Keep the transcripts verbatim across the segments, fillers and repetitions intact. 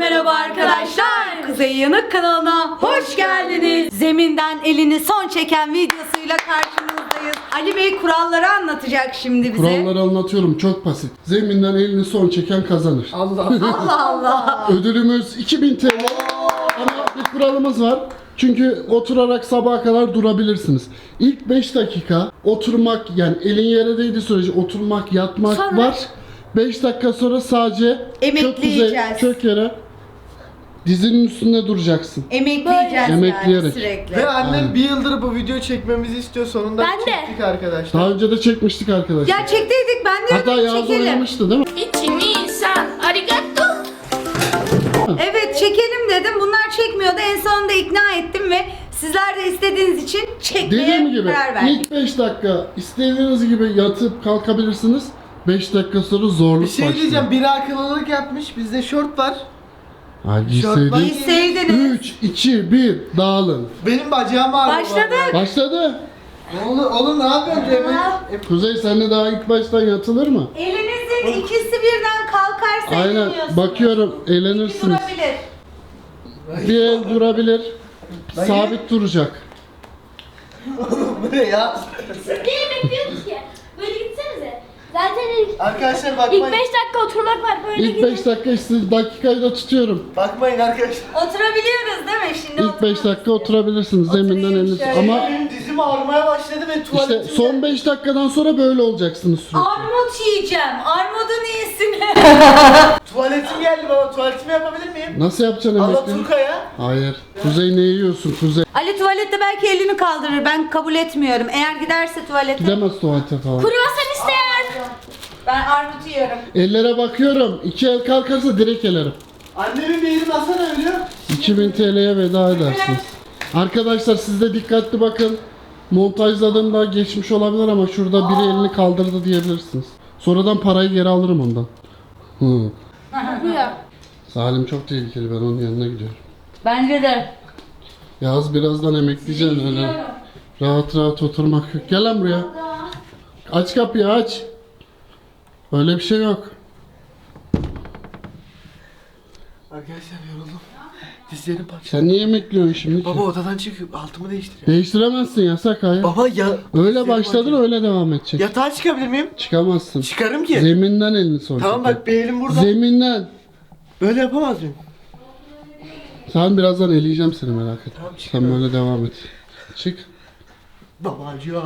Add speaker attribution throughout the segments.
Speaker 1: merhaba arkadaşlar. Kuzey Yanık kanalına hoş geldiniz. Zeminden elini son çeken videosuyla karşınızdayız. Ali Bey kuralları anlatacak şimdi bize.
Speaker 2: Kuralları anlatıyorum, çok basit. Zeminden elini son çeken kazanır.
Speaker 3: Allah.
Speaker 1: Allah Allah.
Speaker 2: Ödülümüz iki bin T L. Ama bir kuralımız var. Çünkü oturarak sabaha kadar durabilirsiniz. İlk beş dakika oturmak, yani elin yere değdiği sürece oturmak, yatmak
Speaker 1: Sonra?
Speaker 2: var. beş dakika sonra sadece
Speaker 1: Emekleyeceğiz.
Speaker 2: kök, kuzey, kök yere dizinin üstünde duracaksın.
Speaker 1: Emekleyeceğiz
Speaker 2: Emekleyerek.
Speaker 1: yani sürekli.
Speaker 3: Ve annem
Speaker 2: Aynen.
Speaker 3: bir yıldır bu video çekmemizi istiyor. Sonunda
Speaker 4: Ben de.
Speaker 3: çektik arkadaşlar.
Speaker 2: Daha önce de çekmiştik arkadaşlar.
Speaker 1: Ya çektiydik, ben de
Speaker 2: Hatta Yağız
Speaker 1: çekelim.
Speaker 2: oynamıştı değil mi?
Speaker 4: Ichi-ni-san, arigato.
Speaker 1: Evet çekelim dedim. Bunlar çekmiyordu. En sonunda ikna ettim ve sizler de istediğiniz için çekmeye
Speaker 2: Dediğim gibi
Speaker 1: karar verdik.
Speaker 2: ilk beş dakika istediğiniz gibi yatıp kalkabilirsiniz. beş dakika sonra zorluk
Speaker 3: Bir şey
Speaker 2: başlıyor.
Speaker 3: diyeceğim. Biri akıllılık yapmış. Bizde şort var.
Speaker 2: Hadi
Speaker 3: Şort var.
Speaker 1: Sevdiniz.
Speaker 2: üç, iki, bir dağılın.
Speaker 3: Benim bacağım ağrıyor.
Speaker 1: Başladık.
Speaker 2: Başladı.
Speaker 3: Oğlum, oğlum ne yapıyorsun Cemil? E,
Speaker 2: Kuzey senle daha ilk baştan yatılır mı?
Speaker 1: Elinizin ikisi birden kalkarsa
Speaker 2: Aynen.
Speaker 1: eğleniyorsunuz.
Speaker 2: Bakıyorum
Speaker 1: İki
Speaker 2: eğlenirsiniz.
Speaker 1: durabilir.
Speaker 2: Bir el durabilir.
Speaker 3: Dayı.
Speaker 2: Sabit duracak.
Speaker 3: Bu ne ya?
Speaker 4: Neyi bekliyoruz ki? Böyle gitsenize. Zaten ilk,
Speaker 3: Arkadaşlar
Speaker 4: ilk
Speaker 3: bakmayın.
Speaker 4: beş dakika oturmak var. Böyle
Speaker 2: İlk
Speaker 4: gidin.
Speaker 2: beş dakika işte dakikayı da tutuyorum.
Speaker 3: Bakmayın arkadaşlar.
Speaker 1: Oturabiliyoruz değil mi? Şimdi
Speaker 2: İlk beş dakika oturabilirsiniz zeminden
Speaker 1: Oturayım
Speaker 2: eliniz.
Speaker 1: şöyle.
Speaker 2: Ama
Speaker 3: Benim dizim ağrımaya başladı ve
Speaker 2: işte
Speaker 3: tuvaletimde...
Speaker 2: son beş dakikadan sonra böyle olacaksınız sürekli.
Speaker 1: Armut yiyeceğim. Armudun iyisini.
Speaker 3: Tuvaletim geldi baba. Tuvaletimi yapabilir miyim?
Speaker 2: Nasıl yapacaksın emekli?
Speaker 3: Alaturka'ya.
Speaker 2: Hayır. Kuzey ne yiyorsun Kuzey?
Speaker 1: Ali tuvalette belki elini kaldırır. Ben kabul etmiyorum. Eğer giderse tuvalete.
Speaker 2: Gidemez tuvalete falan.
Speaker 4: Kruvasan isteyen.
Speaker 1: Ben armut yiyorum.
Speaker 2: Ellere bakıyorum. İki el kalkarsa direkt elerim.
Speaker 3: Annemin bir elini alsana ölüyor.
Speaker 2: iki bin T L'ye veda edersiniz. Arkadaşlar siz de dikkatli bakın. Montajladığımda geçmiş olabilir ama şurada biri elini kaldırdı diyebilirsiniz. Sonradan parayı geri alırım ondan. Hı.
Speaker 4: Bu ya.
Speaker 2: Salim çok tehlikeli, ben onun yanına gidiyorum.
Speaker 1: Bence de.
Speaker 2: Yağız birazdan emekleyeceksin öyle. Rahat rahat oturmak yok. Gel lan buraya. Aç kapıyı aç. Öyle bir şey yok.
Speaker 3: Arkadaşlar yoruldum. Dizlerim parçaladı.
Speaker 2: Sen niye emekliyorsun şimdi ki?
Speaker 3: Baba odadan çıkıp altımı değiştiriyor.
Speaker 2: Değiştiremezsin, yasak hayır.
Speaker 3: Baba ya...
Speaker 2: Öyle
Speaker 3: dizlerim
Speaker 2: başladın
Speaker 3: acıyor.
Speaker 2: öyle devam edecek.
Speaker 3: Yatağa çıkabilir miyim?
Speaker 2: Çıkamazsın.
Speaker 3: Çıkarım ki.
Speaker 2: Zeminden elini son
Speaker 3: Tamam
Speaker 2: çeker.
Speaker 3: bak bir elim burada.
Speaker 2: Zeminden.
Speaker 3: Böyle yapamaz mıyım?
Speaker 2: Sen birazdan eleyeceğim seni, merak etme.
Speaker 3: Tamam,
Speaker 2: Sen
Speaker 3: çıkıyorum.
Speaker 2: böyle devam et. Çık.
Speaker 3: Babacığım.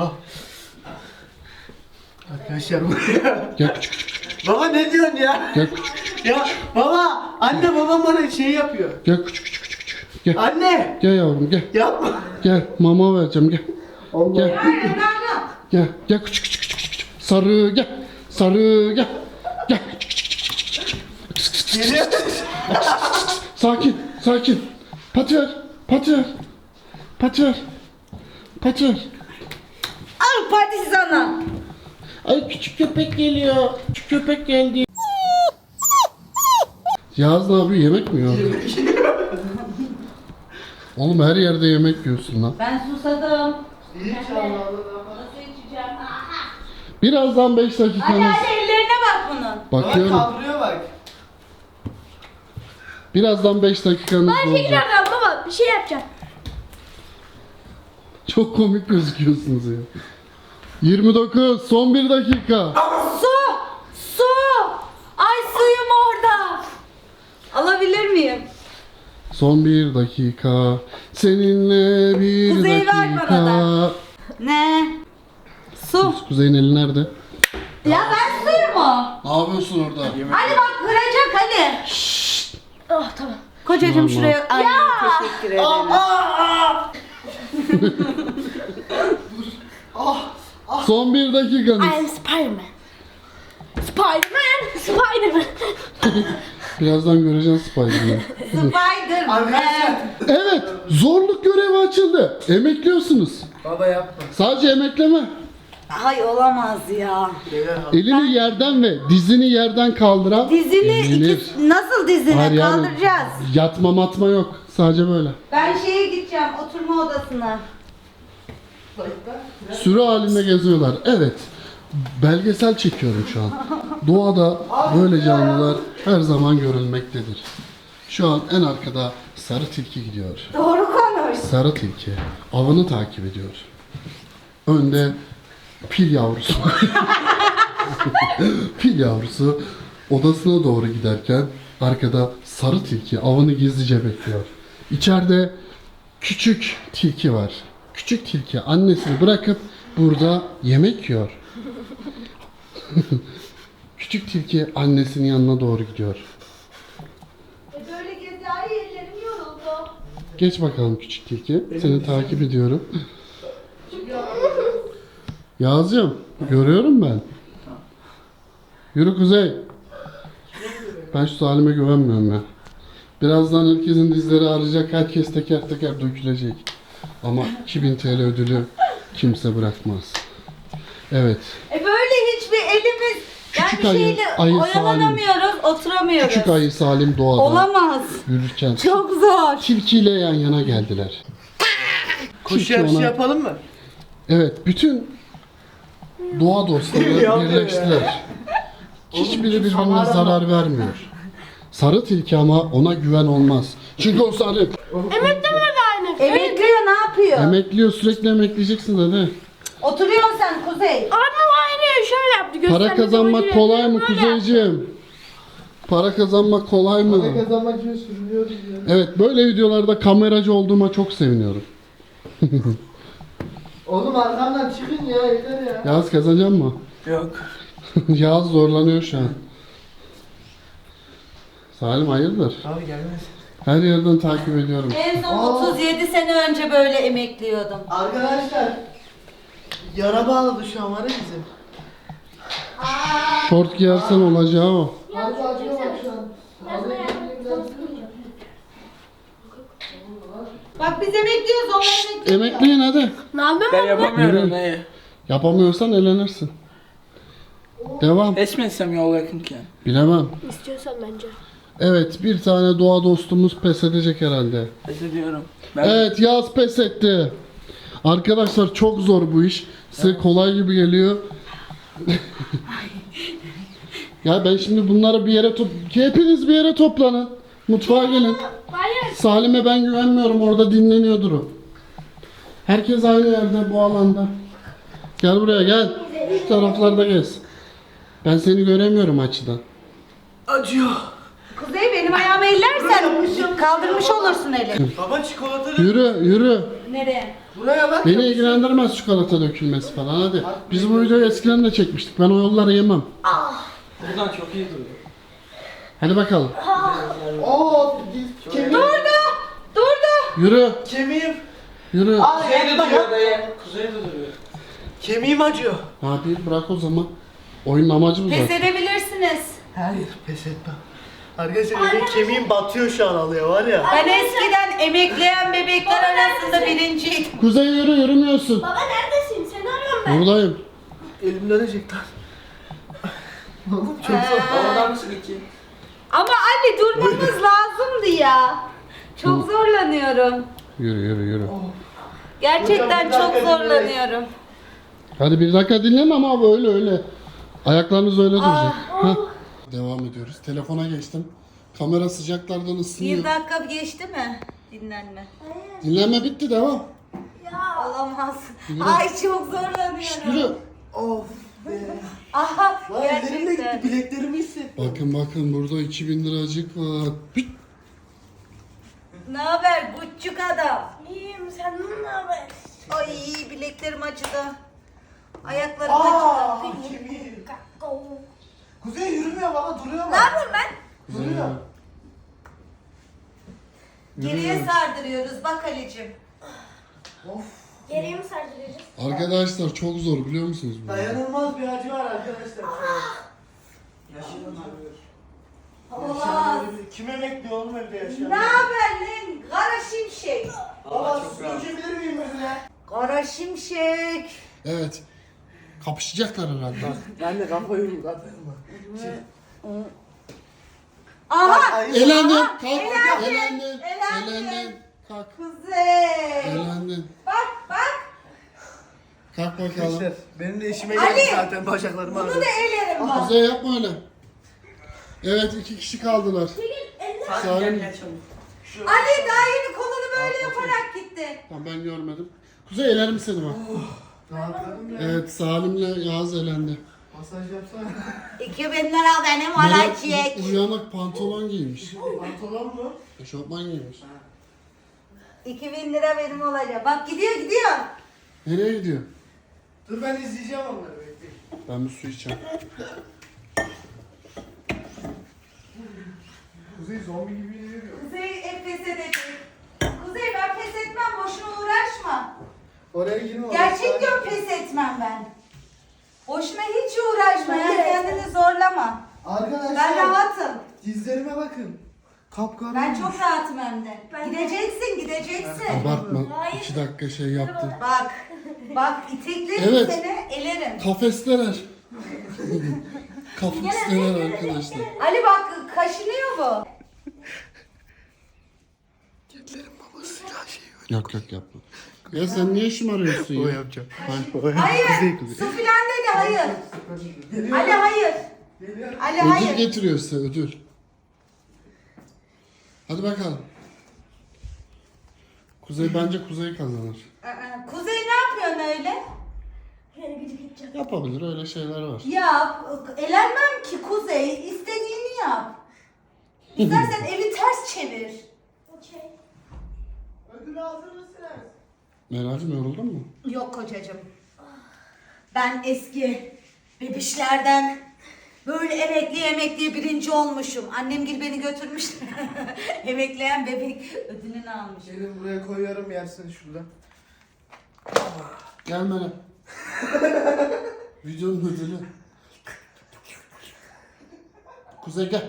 Speaker 3: Arkadaşlar buraya.
Speaker 2: Gel küçük küçük küçük. küçük.
Speaker 3: Baba ne diyorsun ya?
Speaker 2: Gel küçük küçük küçük.
Speaker 3: Ya baba, anne babam bana şey yapıyor.
Speaker 2: Gel küçük küçük küçük küçük. Gel.
Speaker 3: Anne,
Speaker 2: Gel yavrum gel.
Speaker 3: yapma.
Speaker 2: Gel mama vereceğim gel.
Speaker 3: Allah.
Speaker 2: Gel. Gel. Gel küçük küçük küçük küçük. Sarı gel. Sarı gel. Gel. Küçük küçük küçük küçük küçük.
Speaker 3: Geliyor.
Speaker 2: Sakin. Sakin. Pati ver. Pati ver. Pati ver. Pati ver.
Speaker 1: Al pati sana.
Speaker 2: Ay küçük köpek geliyor. Küçük köpek geldi. Yağız ne yapıyor? Yemek mi yiyor? Oğlum her yerde yemek yiyorsun lan.
Speaker 1: Ben susadım.
Speaker 3: İnşallah.
Speaker 1: Nasıl içeceğim?
Speaker 2: Birazdan beş
Speaker 1: Hadi
Speaker 2: dakikanız.
Speaker 1: hadi ellerine bak bunun.
Speaker 3: Bak
Speaker 2: Bakıyorum.
Speaker 3: kaldırıyor bak.
Speaker 2: Birazdan beş dakikanız
Speaker 4: Ben
Speaker 2: olacak.
Speaker 4: tekrardan baba bir şey yapacağım.
Speaker 2: Çok komik gözüküyorsunuz ya. yirmi dokuz, son bir dakika.
Speaker 1: Su! Su! Ay suyum orada. Alabilir miyim?
Speaker 2: Son bir dakika. Seninle bir
Speaker 1: Kuzey ver bana
Speaker 2: dakika.
Speaker 1: Ne? Su.
Speaker 2: Kuzey'in eli nerede?
Speaker 1: Ya ben suyum o.
Speaker 2: Ne yapıyorsun orada?
Speaker 1: Ali bak kıracak Ali.
Speaker 4: Oh tamam.
Speaker 1: Kocacığım
Speaker 2: Tamam.
Speaker 1: şuraya. Ay teşekkür ederim.
Speaker 2: Son bir dakikanız.
Speaker 4: I am Spider-Man. Spider-Man. Spider-Man.
Speaker 2: Birazdan göreceğiz Spiderman'ı.
Speaker 1: Spider-Man.
Speaker 3: Arkadaşlar.
Speaker 2: Evet, zorluk görevi açıldı. Emekliyorsunuz.
Speaker 3: Baba yapma.
Speaker 2: Sadece emekleme.
Speaker 1: Ay olamaz ya.
Speaker 3: Beyler al.
Speaker 2: Elini yerden ve dizini yerden kaldıran
Speaker 1: Dizini
Speaker 2: elenir.
Speaker 1: iki, nasıl dizine
Speaker 2: Hayır yani,
Speaker 1: kaldıracağız?
Speaker 2: yatma matma yok. Sadece böyle.
Speaker 1: Ben şeye gideceğim oturma odasına.
Speaker 2: Sürü halinde geziyorlar. Evet. Belgesel çekiyorum şu an. Doğada böyle canlılar her zaman görülmektedir. Şu an en arkada sarı tilki gidiyor.
Speaker 1: Doğru konuş.
Speaker 2: Sarı tilki avını takip ediyor. Önde pil yavrusu. Pil yavrusu odasına doğru giderken arkada sarı tilki avını gizlice bekliyor. İçeride küçük tilki var. Küçük tilki annesini bırakıp burada yemek yiyor. Küçük tilki annesinin yanına doğru gidiyor.
Speaker 1: E böyle gezi ay ellerim yoruldu.
Speaker 2: Geç bakalım küçük tilki. Seni takip ediyorum. Yağız'cığım görüyorum ben. Yürü Kuzey. Ben şu Salim'e güvenmiyorum ya. Birazdan herkesin dizleri ağrıyacak. Herkes teker teker dökülecek. Ama iki bin T L ödülü kimse bırakmaz. Evet.
Speaker 1: E böyle hiçbir elimiz
Speaker 2: Küçük
Speaker 1: yani
Speaker 2: ayı,
Speaker 1: şeyle
Speaker 2: ayı
Speaker 1: oyalanamıyoruz, oturamıyoruz.
Speaker 2: Küçük ayı Salim doğada
Speaker 1: Olamaz.
Speaker 2: yürürken
Speaker 1: Çok zor.
Speaker 2: tilkiyle yan yana geldiler.
Speaker 3: Koşu
Speaker 2: Tilki
Speaker 3: yarışı
Speaker 2: ona-
Speaker 3: yapalım mı?
Speaker 2: Evet, bütün doğa dostları
Speaker 3: Yapıyor
Speaker 2: birleştiler. Hiçbiri birbirine
Speaker 3: şamar ama.
Speaker 2: zarar vermiyor. Sarı tilki ama ona güven olmaz. Çünkü o sarı.
Speaker 4: Emekli mi aynı?
Speaker 1: Emekliyor ne yapıyor?
Speaker 2: Emekliyor, sürekli emekleyeceksin dedi.
Speaker 1: Oturuyorsun sen Kuzey.
Speaker 4: Annem aynı şöyle yaptı.
Speaker 2: Para
Speaker 4: göstermesi
Speaker 2: kazanmak
Speaker 4: amacıyla.
Speaker 2: kolay mı
Speaker 4: Böyle
Speaker 2: Kuzeyciğim? Para kazanmak kolay
Speaker 3: Ne
Speaker 2: mı?
Speaker 3: kazanmak için sürünüyoruz ya.
Speaker 2: Evet, böyle videolarda kameracı olduğuma çok seviniyorum.
Speaker 3: Oğlum arkamdan çıkın ya yeter ya.
Speaker 2: Yağız kazanacak mı?
Speaker 3: Yok.
Speaker 2: Yağız zorlanıyor şu an. Salim hayırdır?
Speaker 3: Abi gelmez.
Speaker 2: Her yerden takip ediyorum.
Speaker 1: En son
Speaker 3: Aa.
Speaker 1: otuz yedi sene önce böyle emekliyordum.
Speaker 3: Arkadaşlar. Yara bağladı şu an var ya bizim.
Speaker 2: Şort giyersen olacağı o.
Speaker 3: Harbi acıyor bak şu an.
Speaker 1: Bak biz emekliyoruz onlar emekliyor.
Speaker 2: Emekliyin hadi.
Speaker 4: Ne yapayım
Speaker 5: Ben
Speaker 4: ben?
Speaker 5: yapamıyorum
Speaker 2: Yürü.
Speaker 5: neyi?
Speaker 2: Yapamıyorsan elenirsin. Devam.
Speaker 5: Esmetsem yol yakınken.
Speaker 2: Bilemem.
Speaker 4: İstiyorsan bence.
Speaker 2: Evet, bir tane doğa dostumuz pes edecek herhalde.
Speaker 5: Pes ediyorum. Ben
Speaker 2: Evet, Yağız pes etti. Arkadaşlar çok zor bu iş. Size kolay gibi geliyor. Ya ben şimdi bunları bir yere top... Hepiniz bir yere toplanın. Mutfağa gelin.
Speaker 4: Hayır.
Speaker 2: Salim'e ben güvenmiyorum. Orada dinleniyordur o. Herkes aynı yerde bu alanda. Gel buraya gel. Şu taraflarda gez. Ben seni göremiyorum açıdan.
Speaker 3: Acıyor.
Speaker 1: Kuzey benim ayağımı ellersen kaldırmış olursun eli.
Speaker 3: Baba çikolatalı.
Speaker 2: Yürü yürü.
Speaker 1: Nereye?
Speaker 3: Buraya bak.
Speaker 2: Beni ilgilendirmez çikolata dökülmesi falan hadi. Biz bu videoyu eskiden de çekmiştik. Ben o yolları yemem.
Speaker 5: buradan çok iyi duruyor.
Speaker 2: Hadi bakalım.
Speaker 3: Oo, diz, kemiğim.
Speaker 1: Durdu! Durdu!
Speaker 2: Yürü
Speaker 3: Kemiğim.
Speaker 2: yürü.
Speaker 3: Aa,
Speaker 5: Kuzey de
Speaker 3: yapma
Speaker 5: duruyor
Speaker 3: ya.
Speaker 5: dayı. Kuzey de duruyor.
Speaker 3: Kemiğim acıyor.
Speaker 2: Ne yapayım bırak o zaman. Oyunun amacı bu
Speaker 1: Pes
Speaker 2: zaten.
Speaker 1: edebilirsiniz.
Speaker 3: Hayır pes etmem. Arkadaşlar benim kemiğim batıyor şu an alıyor var ya.
Speaker 1: Ben eskiden emekleyen bebekler arasında birinciydim.
Speaker 2: Kuzey yürü yürümüyorsun.
Speaker 4: Baba neredesin? Seni arıyorum ben.
Speaker 2: Buradayım.
Speaker 3: Elim dönecek lan. Oğlum çok zor.
Speaker 5: Havadan mısın iki?
Speaker 1: Ama anne durmamız lazımdı ya. Çok zorlanıyorum.
Speaker 2: Yürü yürü yürü.
Speaker 1: Gerçekten
Speaker 3: Hocam,
Speaker 1: çok
Speaker 3: bir dakika
Speaker 1: zorlanıyorum.
Speaker 2: Hadi bir dakika dinleme ama öyle öyle. Ayaklarınız öyle duracak. Hah. Devam ediyoruz. Telefona geçtim. Kamera sıcaklardan
Speaker 1: Bir
Speaker 2: ısınıyor.
Speaker 1: dakika geçti mi? Dinlenme.
Speaker 2: Dinlenme bitti devam.
Speaker 1: Olamaz.
Speaker 2: Yürü.
Speaker 1: Ay çok zorlanıyorum.
Speaker 2: Yürü.
Speaker 3: Of be.
Speaker 1: Aha
Speaker 3: Lan ellerim de gitti
Speaker 1: gerçekten.
Speaker 3: bileklerimi hissettim.
Speaker 2: Bakın bakın burada iki bin liracık var. Hıt.
Speaker 1: Ne haber buçuk adam?
Speaker 4: İyiyim senden ne haber?
Speaker 1: Ay bileklerim acıdı. Ayaklarım
Speaker 3: Aa,
Speaker 1: acıdı.
Speaker 3: kemiğim. Kuzey yürümüyor baba duruyor
Speaker 1: Ne
Speaker 3: bak.
Speaker 1: yapayım ben?
Speaker 3: Duruyor.
Speaker 1: Geriye sardırıyoruz bak Ali'cim.
Speaker 3: Of.
Speaker 4: Geriye mi sardırıyoruz?
Speaker 2: Arkadaşlar çok zor biliyor musunuz bunu?
Speaker 3: Dayanılmaz bir acı var arkadaşlar.
Speaker 1: Olamaz.
Speaker 3: Kim emekli oğlum evde yaşayan?
Speaker 1: Ne haber lan? Kara şimşek.
Speaker 3: Baba su dökebilir miyim önüne?
Speaker 1: Kara şimşek.
Speaker 2: Evet. Kapışacaklar herhalde.
Speaker 3: Ben de kafayı uzatırım bak.
Speaker 1: Aha.
Speaker 3: Ay,
Speaker 2: Elendin. Kalk.
Speaker 1: Elendin.
Speaker 2: Elendin.
Speaker 1: Elendin.
Speaker 2: Elendin. Kalk.
Speaker 1: Kuzey.
Speaker 2: Elendin.
Speaker 1: Bak bak.
Speaker 2: Kalk bakalım.
Speaker 3: Arkadaşlar benim de işime
Speaker 1: Ali,
Speaker 3: geldi zaten bacaklarım
Speaker 1: Bunu
Speaker 3: ağrıyor.
Speaker 1: da elerim bak.
Speaker 2: Kuzey yapma öyle. Evet iki kişi kaldılar.
Speaker 5: Hadi
Speaker 2: Salim.
Speaker 5: gel gel çabuk.
Speaker 1: Ali daha yeni kolunu böyle yaparak gitti.
Speaker 2: Tamam ben görmedim. Kuzey elerim seni bak.
Speaker 3: Rahatladım ya.
Speaker 2: Evet Salim'le Yağız elendi.
Speaker 3: Masaj yapsana.
Speaker 1: iki bin lira benim
Speaker 2: Meral
Speaker 1: olacak.
Speaker 2: uyanık pantolon giymiş.
Speaker 3: Pantolon mu?
Speaker 2: Eşofman giymiş.
Speaker 1: iki bin lira benim olacak. Bak gidiyor gidiyor.
Speaker 2: Nereye gidiyor?
Speaker 3: Dur ben izleyeceğim onları bekleyin.
Speaker 2: Ben bir su içeceğim.
Speaker 3: Kuzey zombi gibi yürüyor.
Speaker 1: Kuzey hep pes edecek. Kuzey ben pes etmem, boşuna uğraşma.
Speaker 3: Oraya girme.
Speaker 1: Gerçek diyorum, pes etmem ben. Boşuna hiç uğraşma ya, kendini zorlama.
Speaker 3: Arkadaşlar.
Speaker 1: Ben rahatım.
Speaker 3: Dizlerime bakın. Kapkara.
Speaker 1: Ben çok rahatım hem de. Gideceksin, gideceksin.
Speaker 2: Abartma. İki dakika şey yaptı.
Speaker 1: Bak, bak iteklerim
Speaker 2: Evet.
Speaker 1: seni, elerim.
Speaker 2: Kafesteler. Kafesteler arkadaşlar.
Speaker 1: Ali bak, kaşınıyor bu.
Speaker 2: Yok yok yapma. Ya sen niye şımarıyorsun
Speaker 3: O
Speaker 2: ya?
Speaker 3: yapacağım.
Speaker 1: Hayır,
Speaker 3: Kuzey, kuzey.
Speaker 1: su filan dedi, hayır.
Speaker 3: Geliyor.
Speaker 1: Ali hayır.
Speaker 3: Geliyor.
Speaker 1: Ali
Speaker 2: Ödül
Speaker 1: hayır.
Speaker 2: getiriyor size ödül. Hadi bakalım. Kuzey bence Kuzey kazanır.
Speaker 1: Aa, Kuzey ne yapıyorsun öyle?
Speaker 4: Yani gıcık edeceğim.
Speaker 2: Yapabilir öyle şeyler var.
Speaker 1: Yap. Elenmem ki Kuzey. İstediğini yap. İstersen evi ters çevir.
Speaker 4: Okey.
Speaker 3: Ödül hazır mısınız?
Speaker 2: Meral'cim yoruldun mu?
Speaker 1: Yok kocacığım. Ben eski bebişlerden böyle emekli emekli birinci olmuşum. Annem gibi beni götürmüş. Emekleyen bebek ödülünü almış.
Speaker 3: Gelin buraya koyuyorum yersin şurada.
Speaker 2: Gel Meral. Videonun ödülü. Kuzey gel.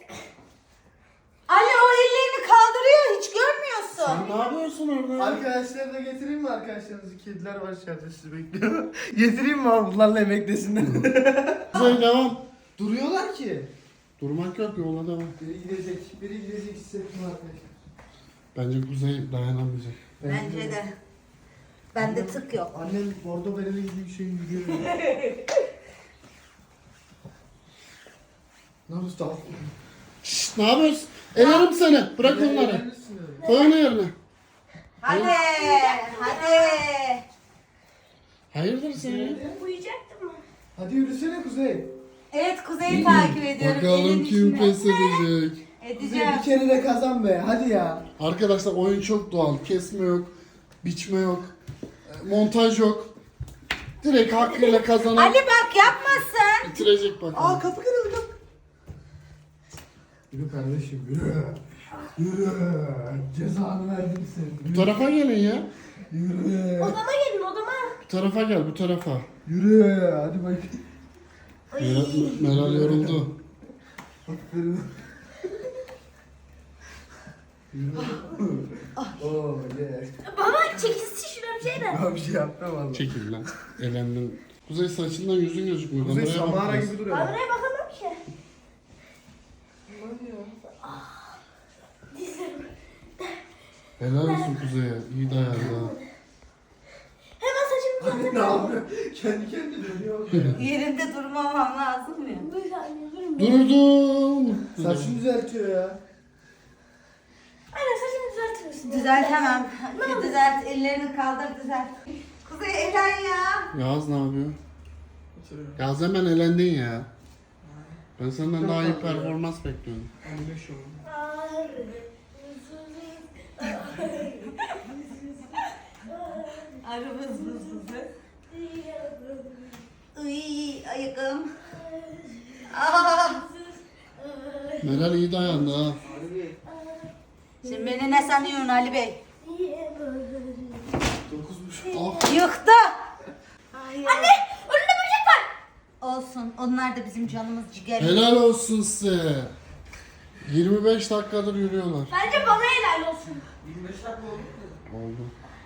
Speaker 1: Ali o ellerini kaldırıyor, hiç görmüyorsun.
Speaker 2: Sen ne yapıyorsun orada?
Speaker 3: Arkadaşları da getireyim mi arkadaşlarınızı? Kediler var içeride sizi bekliyor. getireyim mi abi bunlarla emeklesinler?
Speaker 2: Kuzey devam.
Speaker 3: Duruyorlar ki.
Speaker 2: Durmak yok yola devam.
Speaker 3: Biri gidecek, biri gidecek hissettim arkadaşlar.
Speaker 2: Bence Kuzey dayanamayacak.
Speaker 1: Bence de. Bende tık yok.
Speaker 3: Annem bordo bereli gibi bir şey yürüyor. Ne usta?
Speaker 2: Şşt ne yapıyorsun? Elerim seni. Bırak onları. Koy onu yerine.
Speaker 1: Hadi, hadi.
Speaker 2: Hayırdır sen ya?
Speaker 4: Uyuyacaktım mı?
Speaker 3: Hadi yürüsene Kuzey.
Speaker 1: Evet Kuzey'i takip ediyorum.
Speaker 2: Bakalım
Speaker 1: Elin
Speaker 2: kim
Speaker 1: içine.
Speaker 2: pes edecek.
Speaker 3: Kuzey
Speaker 1: Edeceğim.
Speaker 3: bir kere de kazan be. Hadi ya.
Speaker 2: Arkadaşlar oyun çok doğal. Kesme yok. Biçme yok. e, Montaj yok. Direkt hakkıyla kazanan
Speaker 1: Ali bak yapmasın.
Speaker 2: bitirecek bakalım.
Speaker 3: Aa kapı kırıldı. Yürü kardeşim yürü. Yürü. Cezanı verdim
Speaker 2: Bu
Speaker 3: seni.
Speaker 2: tarafa gelin ya.
Speaker 3: Yürü.
Speaker 4: Odama gelin odama.
Speaker 2: Bu tarafa gel bu tarafa.
Speaker 3: Yürü. Hadi bak.
Speaker 2: Meral, Meral yoruldu.
Speaker 3: Aferin. Yürü. Oo yes.
Speaker 4: Baba çekilsin şuna bir şey de.
Speaker 3: Ben bir şey yapmam valla.
Speaker 2: Çekil lan. Elendin. Kuzey saçından yüzün gözükmüyor.
Speaker 3: Kuzey
Speaker 2: Kameraya bak
Speaker 3: Samara
Speaker 2: biraz.
Speaker 3: gibi duruyor.
Speaker 4: Ben
Speaker 3: bak.
Speaker 4: oraya bakamam ki.
Speaker 2: Helal olsun Kuzey'e. İyi dayandı ha.
Speaker 4: Hemen saçımı
Speaker 3: Anne ne yapıyor? Kendi kendine dönüyor.
Speaker 1: Yerinde durmamam lazım ya.
Speaker 4: Bir saniye durun.
Speaker 2: Durdum.
Speaker 3: Saçını düzeltiyor ya.
Speaker 4: Anne saçımı düzeltir misin?
Speaker 1: Düzeltemem. Düzelt, ellerini kaldır düzelt. Kuzey elen ya.
Speaker 2: Yağız ne yapıyor? Yağız hemen elendin ya. Ben senden daha iyi performans bekliyorum.
Speaker 3: Anne şu.
Speaker 1: Arabız buzlusu. Iy ayıkım. Aa.
Speaker 2: Meral iyi dayandı ha.
Speaker 1: Şimdi beni ne sanıyorsun Ali Bey?
Speaker 3: Dokuzmuş.
Speaker 2: Ah.
Speaker 1: Yıktı.
Speaker 4: Anne önünde böcek var.
Speaker 1: Olsun. Onlar da bizim canımız ciğerimiz.
Speaker 2: Helal olsun size. yirmi beş dakikadır yürüyorlar.
Speaker 4: Bence bana helal olsun.
Speaker 5: yirmi beş dakika oldu mu?
Speaker 2: Oldu.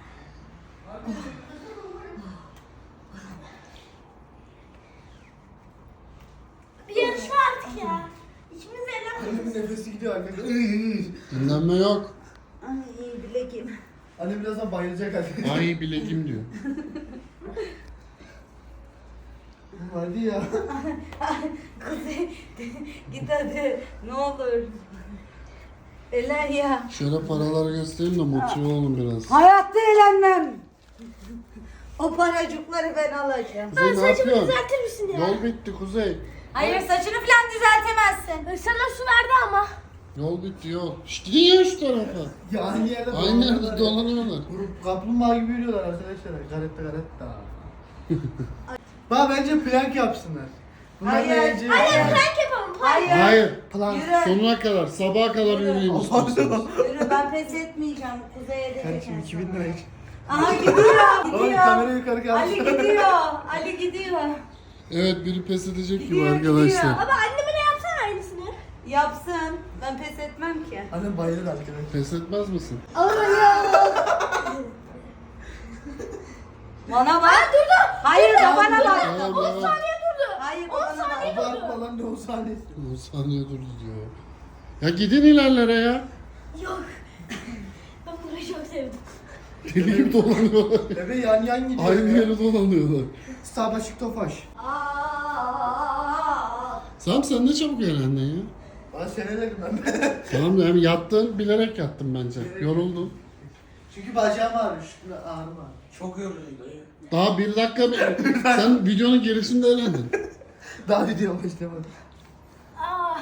Speaker 4: Bir yarışma artık ya. İkimiz de helal.
Speaker 3: Annemin nefesi gidiyor arkadaşlar. Iy, iy.
Speaker 2: Dinlenme yok.
Speaker 1: Ay bilekim.
Speaker 3: Annem birazdan bayılacak hadi.
Speaker 2: Ay bilekim diyor.
Speaker 3: Hadi ya.
Speaker 1: Kuzey git hadi ne olur. Elen ya.
Speaker 2: Şöyle paraları göstereyim de motive olun biraz.
Speaker 1: Hayatta eğlenmem. O paracıkları ben alacağım.
Speaker 2: Kuzey ne
Speaker 4: Saçımı
Speaker 2: yapıyorsun?
Speaker 4: düzeltir misin ya?
Speaker 2: Yol bitti Kuzey.
Speaker 1: Hayır saçını falan düzeltemezsin.
Speaker 4: Sana su verdi ama.
Speaker 2: Yol bitti yol. Şşt gidin ya şu tarafa.
Speaker 3: Ya aynı yerde
Speaker 2: Aynı
Speaker 3: dolanıyorlar
Speaker 2: yerde
Speaker 3: ya.
Speaker 2: dolanıyorlar.
Speaker 3: Grup kaplumbağa gibi yürüyorlar arkadaşlar. Garetta garetta. Bak bence plank yapsınlar. Bunlar
Speaker 1: Hayır.
Speaker 3: eğlenceli.
Speaker 4: Hadi plank yapalım. Plank.
Speaker 1: Hayır.
Speaker 2: Hayır.
Speaker 3: Plan.
Speaker 1: Yürü.
Speaker 2: Sonuna kadar, sabaha kadar yürüyün istiyorsanız.
Speaker 1: Yürü ben pes etmeyeceğim. Kuzey'e de
Speaker 3: Kardeşim iki bin lira.
Speaker 1: Aha gidiyor.
Speaker 3: Oğlum
Speaker 1: Gidiyor.
Speaker 3: kamerayı yukarı kaldır.
Speaker 1: Ali gidiyor. Ali gidiyor.
Speaker 2: Evet biri pes edecek gibi
Speaker 1: Gidiyor,
Speaker 2: arkadaşlar.
Speaker 1: gidiyor.
Speaker 4: Baba anneme de yapsana aynısını.
Speaker 1: Yapsın. Ben pes etmem ki.
Speaker 3: Annem bayılır arkadaşlar.
Speaker 2: Pes etmez misin?
Speaker 1: Bana bak. durdu. Hayır da bana bak.
Speaker 2: Devam,
Speaker 4: on
Speaker 2: devam.
Speaker 4: saniye durdu.
Speaker 1: Hayır da
Speaker 4: on
Speaker 1: bana bak.
Speaker 4: saniye durdu.
Speaker 3: Abartma lan ne o sahnesi.
Speaker 2: on saniye durdu diyor. Ya gidin ilerlere ya.
Speaker 4: Yok. Ben burayı çok sevdim.
Speaker 2: Deli gibi dolanıyorlar.
Speaker 3: Bebe yan yan gidiyor.
Speaker 2: Aynı
Speaker 3: ya.
Speaker 2: yere dolanıyorlar.
Speaker 3: Sabaşık tofaş.
Speaker 1: Aa.
Speaker 2: Sam sen ne çabuk eğlendin ya.
Speaker 3: Bana senelerim ben.
Speaker 2: Tamam yani yattın bilerek yattın bence. Yoruldun.
Speaker 3: Çünkü bacağım ağrıyor. Şuna ağrıma.
Speaker 5: Çok yorucuydu.
Speaker 2: Daha bir dakika sen videonun gerisinde eğlendin.
Speaker 3: Daha video başlamadı.
Speaker 4: Aa.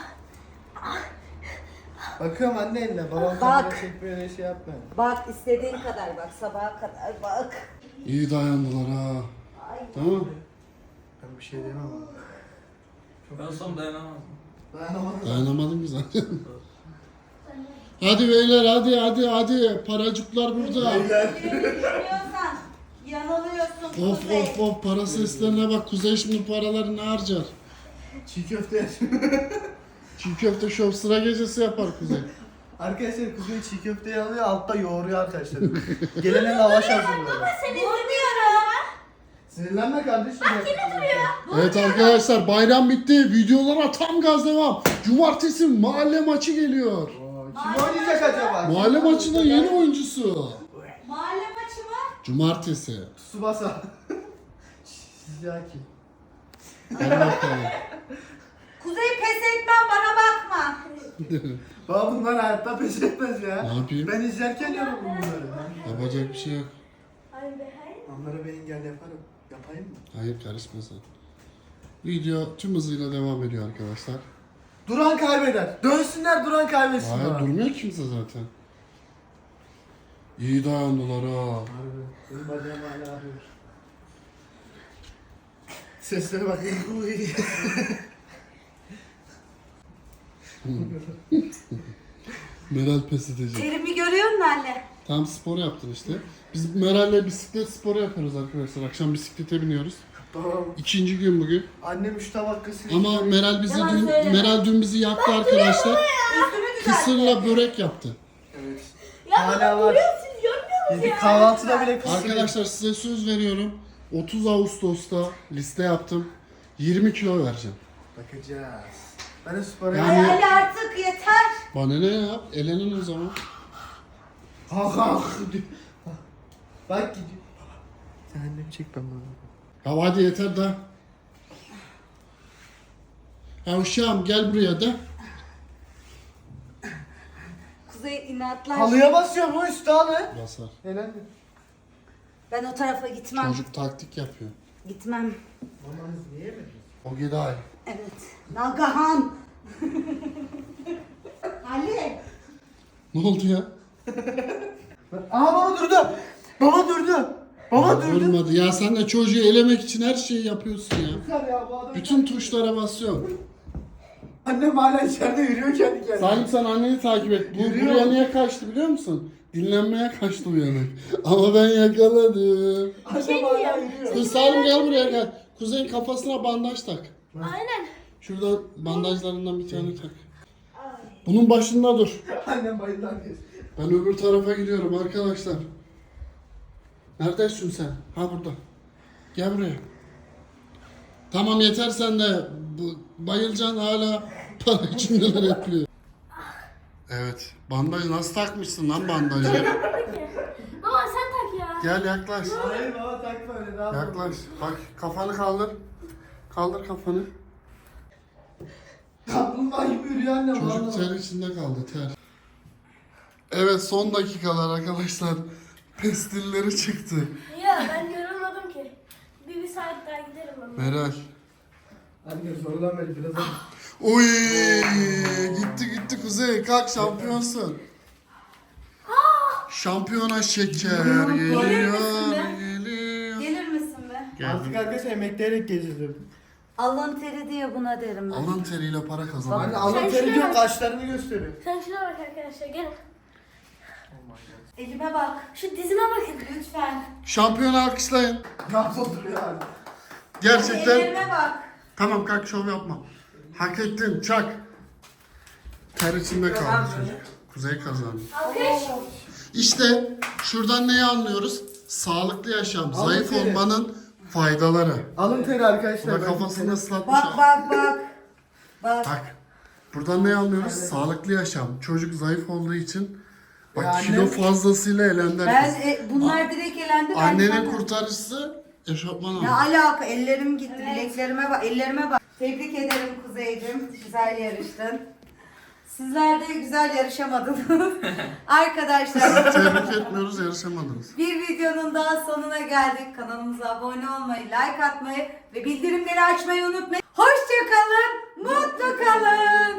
Speaker 3: Bakıyorum anne eline. Babam
Speaker 1: Bak.
Speaker 3: kamera çekmiyor öyle şey yapma.
Speaker 1: Bak istediğin kadar bak sabaha kadar bak.
Speaker 2: İyi dayandılar ha. Tamam.
Speaker 3: Ben bir şey diyemem ama.
Speaker 5: Ben olsam dayanamazdım.
Speaker 3: Dayanamadım.
Speaker 2: Dayanamadım ki zaten. Hadi beyler hadi hadi hadi. Paracıklar burada.
Speaker 1: Biliyorsan yanılıyorsun
Speaker 2: Of
Speaker 1: Kuzey.
Speaker 2: of of para seslerine bak. Kuzey şimdi paraları ne harcar?
Speaker 3: Çiğ köfte yer.
Speaker 2: Çiğ köfte şov sıra gecesi yapar Kuzey.
Speaker 3: Arkadaşlar Kuzey çiğ köfteyi alıyor altta yoğuruyor arkadaşlar. Gelene lavaş hazırlıyor.
Speaker 1: Vurmuyorum.
Speaker 3: Sinirlenme kardeşim. Bak yine duruyor.
Speaker 2: Evet arkadaşlar bayram bitti. Videolara tam gaz devam. Cumartesi mahalle maçı geliyor.
Speaker 3: Kim oynayacak acaba?
Speaker 2: Mahalle maçının yeni oyuncusu.
Speaker 1: Mahalle maçı mı?
Speaker 2: Cumartesi.
Speaker 3: Tsubasa. Shizaki.
Speaker 2: Hadi bakalım.
Speaker 1: Kuzey pes etmem bana bakma.
Speaker 3: Baba bunlar hayatta pes etmez ya.
Speaker 2: Ne yapayım?
Speaker 3: Ben izlerken yorum bunları.
Speaker 2: Yapacak bir şey yok.
Speaker 4: Hayır be hayır.
Speaker 3: Onlara ben engel yaparım. Yapayım mı?
Speaker 2: Hayır karışma sen. Video tüm hızıyla devam ediyor arkadaşlar.
Speaker 3: Duran kaybeder. Dönsünler duran kaybetsin.
Speaker 2: Hayır
Speaker 3: bana.
Speaker 2: durmuyor kimse zaten. İyi dayandılar ha.
Speaker 3: Harbi. Benim bacağım hala ağrıyor. Seslere bak.
Speaker 2: Meral pes edecek.
Speaker 1: Terimi görüyor musun anne?
Speaker 2: Tam spor yaptın işte. Biz Meral'le bisiklet sporu yapıyoruz arkadaşlar. Akşam bisiklete biniyoruz.
Speaker 3: Tamam.
Speaker 2: İkinci gün bugün.
Speaker 3: Annem üç tabak kısır.
Speaker 2: Ama Meral bizi
Speaker 1: Yalan
Speaker 2: dün
Speaker 1: söyleme.
Speaker 2: Meral dün bizi yaktı arkadaşlar.
Speaker 1: Üstümü düzelt.
Speaker 2: Kısırla börek yaptı.
Speaker 3: Evet.
Speaker 4: Ya
Speaker 3: Hala
Speaker 4: baba
Speaker 3: var.
Speaker 4: görüyor musunuz? Görmüyor musunuz
Speaker 3: Yedik
Speaker 4: ya?
Speaker 3: kahvaltıda bile kısır.
Speaker 2: Arkadaşlar size söz veriyorum. otuz Ağustos'ta liste yaptım. yirmi kilo vereceğim.
Speaker 3: Bakacağız. Ben de spora
Speaker 2: Yani-
Speaker 1: Ay Ali artık yeter.
Speaker 2: Bana ne ya? Elenin o zaman.
Speaker 3: Kalk kalk. Bak gidiyor. Sen annemi çek ben bunu.
Speaker 2: Ya hadi yeter de. Ya uşağım gel buraya da.
Speaker 1: Kuzey inatlar.
Speaker 3: Halıya basıyor bu üstü halı.
Speaker 2: Basar.
Speaker 3: Helal.
Speaker 1: Ben o tarafa gitmem.
Speaker 2: Çocuk taktik yapıyor.
Speaker 1: Gitmem.
Speaker 3: Mamanız niye yemediniz?
Speaker 2: O giday.
Speaker 1: Evet. Nagahan. Ali.
Speaker 2: Ne oldu ya?
Speaker 3: Aa baba durdu. Baba durdu. Baba durdu.
Speaker 2: Durmadı. Ya sen de çocuğu elemek için her şeyi yapıyorsun ya.
Speaker 3: Yeter ya bu adam.
Speaker 2: Bütün tuşlara basıyorsun.
Speaker 3: Annem hala içeride yürüyor kendi kendine.
Speaker 2: Salim sen anneni takip et. Bu
Speaker 3: Yürüyor.
Speaker 2: buraya niye kaçtı biliyor musun? Dinlenmeye kaçtı bu yana. Ama ben yakaladım.
Speaker 3: Annem hala yürüyor.
Speaker 2: Dur Salim gel buraya gel. Kuzeyin kafasına bandaj tak.
Speaker 4: Aynen.
Speaker 2: Şuradan bandajlarından bir tane tak. Bunun başında dur.
Speaker 3: Annem bayıldı herkes.
Speaker 2: Ben öbür tarafa gidiyorum arkadaşlar. Neredesin sen? Ha burada. Gel buraya. Tamam yeter sen de. Bu, bayılacaksın hala para için neler yapıyor. Evet. Bandajı nasıl takmışsın lan bandajı?
Speaker 4: Baba sen tak ya.
Speaker 2: Gel yaklaş.
Speaker 3: Hayır baba takma öyle daha.
Speaker 2: Yaklaş. Bak kafanı kaldır. Kaldır kafanı.
Speaker 3: Kaplumbağa gibi yürüyor annem.
Speaker 2: Çocuk
Speaker 3: vallahi.
Speaker 2: ter içinde kaldı ter. Evet son dakikalar arkadaşlar. Pestilleri çıktı.
Speaker 4: Ya ben yorulmadım ki. Bir, bir saat daha giderim ama.
Speaker 2: Meral.
Speaker 3: Anne sorulan beri biraz daha.
Speaker 2: Oy gitti gitti Kuzey. Kalk şampiyonsun. Şampiyona şeker geliyor geliyor.
Speaker 1: Gelir misin be?
Speaker 3: Artık arkadaşlar emekleyerek gezdirdim.
Speaker 1: Alın teri diye buna derim ben.
Speaker 2: Alın teriyle para
Speaker 3: Anne
Speaker 2: kazanıyor.
Speaker 3: Allah
Speaker 4: Sen
Speaker 3: teri
Speaker 4: şuna
Speaker 3: diyor
Speaker 4: bak.
Speaker 3: kaşlarını gösteriyor.
Speaker 4: Sen şuna bak arkadaşlar gelin.
Speaker 1: Elime bak.
Speaker 4: Şu dizime bakın.
Speaker 1: Lütfen.
Speaker 2: Şampiyonu alkışlayın.
Speaker 3: Nasıl oturuyor abi?
Speaker 2: Gerçekten.
Speaker 1: Ellerime bak.
Speaker 2: Tamam kalk şov yapma. Hak ettin çak. Ter içinde kaldı çocuk. Kuzey kazandı.
Speaker 4: Alkış.
Speaker 2: İşte şuradan neyi anlıyoruz? Sağlıklı yaşam,
Speaker 3: Alın
Speaker 2: zayıf
Speaker 3: teri.
Speaker 2: olmanın faydaları.
Speaker 3: Alın teri
Speaker 2: Bu
Speaker 3: arkadaşlar.
Speaker 2: da
Speaker 3: ben
Speaker 2: kafasını
Speaker 3: teri-
Speaker 2: ıslatmış.
Speaker 1: Bak bak bak. Bak.
Speaker 2: Bak. Buradan ne anlıyoruz? Sağlıklı yaşam. Çocuk zayıf olduğu için bak
Speaker 3: Ya
Speaker 2: kilo
Speaker 3: annem-
Speaker 2: fazlasıyla elendi.
Speaker 1: Ben
Speaker 2: herkes.
Speaker 1: e, bunlar direkt elendi. Ben
Speaker 2: Annenin
Speaker 1: sana-
Speaker 2: kurtarıcısı eşofman
Speaker 1: Ne
Speaker 2: aldı.
Speaker 1: alaka? Ellerim gitti. Bileklerime bak. Ellerime bak. Tebrik ederim Kuzey'cim. Güzel yarıştın. Sizler de güzel yarışamadınız. Arkadaşlar
Speaker 2: Tebrik etmiyoruz, yarışamadınız.
Speaker 1: bir videonun daha sonuna geldik. Kanalımıza abone olmayı, like atmayı ve bildirimleri açmayı unutmayın. Hoşça kalın, mutlu kalın.